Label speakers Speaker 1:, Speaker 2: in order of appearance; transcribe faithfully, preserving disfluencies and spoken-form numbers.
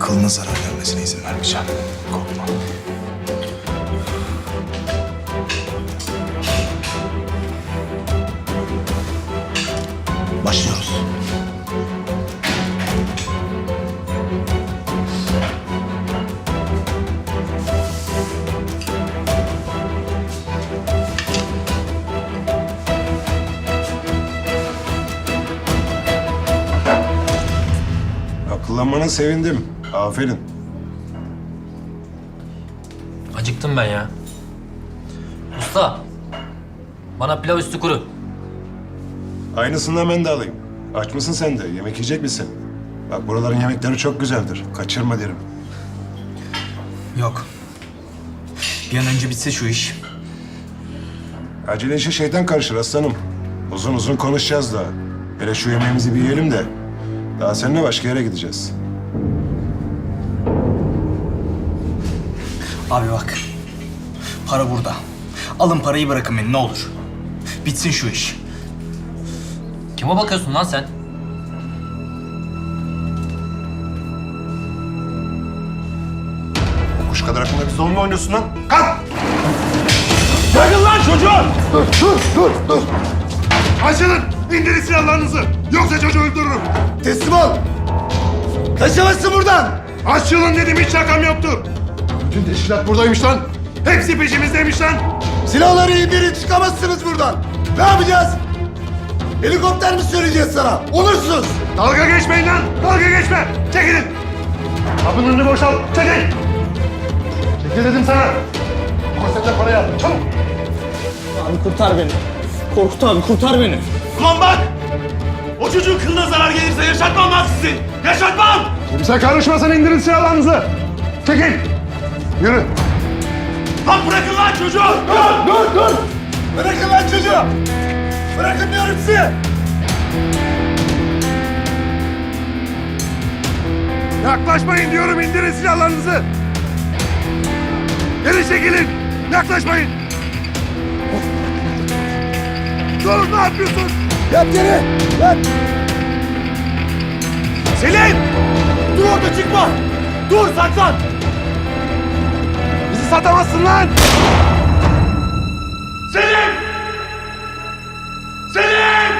Speaker 1: kılına zarar gelmesine izin vermeyeceğim. Korkma. Başlıyoruz.
Speaker 2: Akıllanmana sevindim. Aferin.
Speaker 3: Acıktım ben ya. Usta, bana pilav üstü kuru.
Speaker 2: Aynısından ben de alayım. Aç mısın sen de? Yemek yiyecek misin? Bak buraların yemekleri çok güzeldir. Kaçırma derim.
Speaker 1: Yok. Bir an önce bitse şu iş.
Speaker 2: Acele işe şeytan karışır aslanım. Uzun uzun konuşacağız daha. Hele şu yemeğimizi bir yiyelim de. Daha seninle başka yere gideceğiz.
Speaker 1: Abi bak. Para burada. Alın parayı, bırakın beni ne olur. Bitsin şu iş.
Speaker 3: Kime bakıyorsun lan sen?
Speaker 2: Kuş kadar aklında bir zor mu oynuyorsun lan? Kalk!
Speaker 4: Bırakın lan çocuğu!
Speaker 2: Dur, dur, dur, dur. Açılın! İndirin silahlarınızı! Yoksa çocuğu öldürürüm!
Speaker 4: Teslim ol! Kaçamazsın buradan!
Speaker 2: Açılın dedim, hiç şakam yoktu! Bütün teşkilat buradaymış lan! Hepsi peşimizdeymiş lan!
Speaker 4: Silahları indirin, çıkamazsınız buradan! Ne yapacağız? Helikopter mi söyleyeceğiz sana? Onursuz!
Speaker 2: Dalga geçmeyin lan! Dalga geçme! Çekilin! Kapının önünü boşalt! Çekil! Çekil dedim sana! Konsepte parayı al! Çabuk!
Speaker 5: Abi kurtar beni. Korkut abi kurtar beni.
Speaker 4: Ulan bak! O çocuğun kılına zarar gelirse yaşatmam lan sizi! Yaşatmam!
Speaker 2: Kimse karışmasın, indirin silahlarınızı! Çekil! Yürü!
Speaker 4: Lan bırakın lan çocuğu! Dur, dur, dur! Bırakın lan çocuğu! Bırakın diyorum size!
Speaker 2: Yaklaşmayın diyorum, indirin silahlarınızı! Geri çekilin! Yaklaşmayın! Durun, ne yapıyorsun?
Speaker 4: Yat yere! Yat! Selin! Dur orada, çıkma! Dur, saklan!
Speaker 2: Bizi satamazsın lan!
Speaker 4: Selin! Selin!